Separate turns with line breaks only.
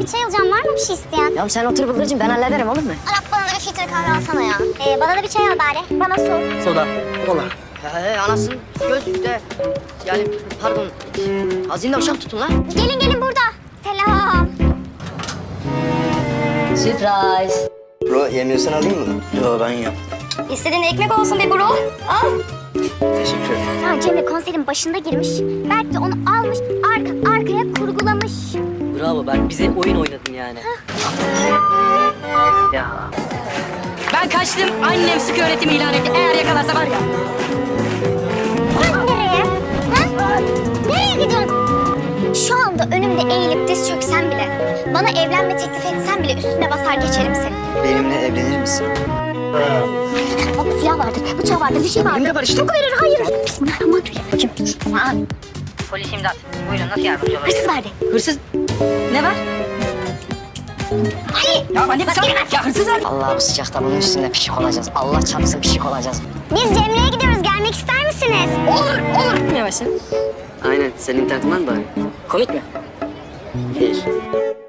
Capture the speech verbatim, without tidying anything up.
bir çay alacağım. Var mı bir şey isteyen?
Ya sen otur Bıldırcığım, ben hallederim, olur mu?
Arap bana da bir filtre kahve alsana ya. Ee, bana da bir çay al bari. Bana su.
Soda. Kola.
He, anasının gözlükte. Yani pardon, hazine uşak tutun lan.
Gelin gelin burada. Selam.
Surprise.
Bro yemiyorsan alayım mı? Yo ben yiyeyim.
İstediğin ekmek olsun be bro. Al.
Teşekkür ederim.
Ya Cemre konserin başında girmiş. Berk de onu almış, arka, arkaya kurgulamış.
Bravo, ben bize oyun oynadın yani. Ya. Ben kaçtım. Annem sıkı öğretim ilan etti. Eğer yakalarsa var ya.
Sen nereye? Ha? Nereye gidiyorsun? Şu anda önümde eğilip diz çöksen bile, bana evlenme teklif etsen bile üstüne basar geçerim seni.
Benimle evlenir misin?
Bak silah vardır, bıçağı vardır, bir şey vardır.
Benimle barıştın.
Çok verir, hayır. Bismillahirrahmanirrahim.
Kim?
Aa, polis imdat. Buyurun, nasıl yardımcı olabilirim?
Hırsız verdi.
Hırsız. Ne var?
Ay!
Ya anne sen... Ya hırsız var.
Allah bu sıcakta bunun üstünde pişik olacağız. Allah çarpsın pişik olacağız.
Biz Cemre'ye gidiyoruz, gelmek ister misiniz?
Olur, olur. Yavaşsın.
Aynen. Senin internetin var mı bari?
Komik mi?
Değil.